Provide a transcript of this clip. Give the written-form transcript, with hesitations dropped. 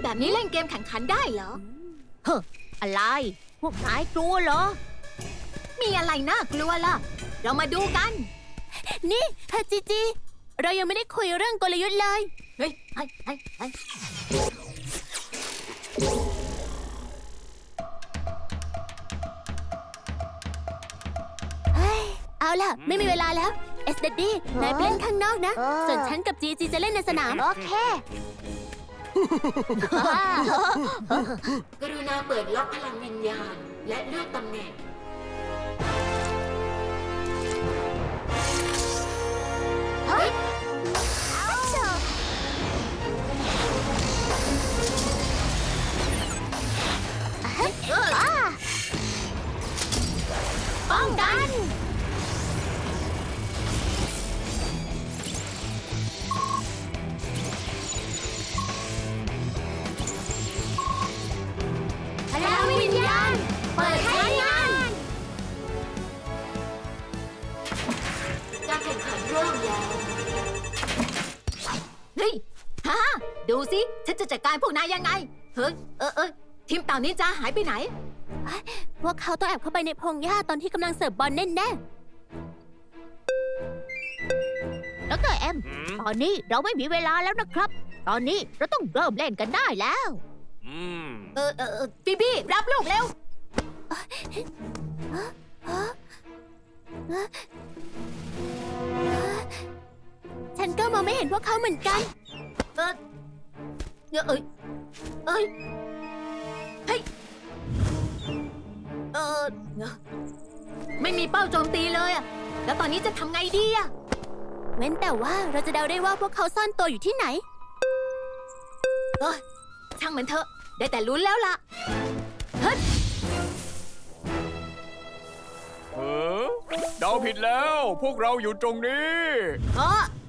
แบบนี้เล่นเกมแข่งขันได้เหรอเฮ้ออะไรพวกนายกลัวเหรอมีอะไรน่ากลัวล่ะ เรามาดูกันนี่จีจีเรายังไม่ได้คุยเรื่องกลยุทธ์เลยเฮ้ยเอาล่ะ ไม่มีเวลาแล้วเอสเดดดี้นายไปเล่นข้างนอกนะ ส่วนฉันกับจีจีจะเล่นในสนาม โอเคกรุณาเปิดล็อกพลังวิญญาณ และเลือกตำแหน่งป้องกัน พลังวิญญาณ เปิดใช้งานการแข่งขันเริ่มแล้ว เฮ้ยฮ่าดูสิ ฉันจะจัดการพวกนายยังไง เฮ้ยทีมเต่านินจาหายไปไหนพวกเขาต้องแอบเข้าไปในพงหญ้าตอนที่กำลังเสิร์ฟบอลแน่ๆดร.เอ็ม ตอนนี้เราไม่มีเวลาแล้วนะครับ ตอนนี้เราต้องเริ่มเล่นกันได้แล้วบีบี้รับลูกเร็วฉันก็มองไม่เห็นพวกเขาเหมือนกันเฮ้ยไม่มีเป้าโจมตีเลยอะแล้วตอนนี้จะทำไงดีอะเว้นแต่ว่าเราจะเดาได้ว่าพวกเขาซ่อนตัวอยู่ที่ไหนช่างมันเถอะ ได้แต่ลุ้นแล้วล่ะ เฮ้ยเดาผิดแล้ว พวกเราอยู่ตรงนี้เออ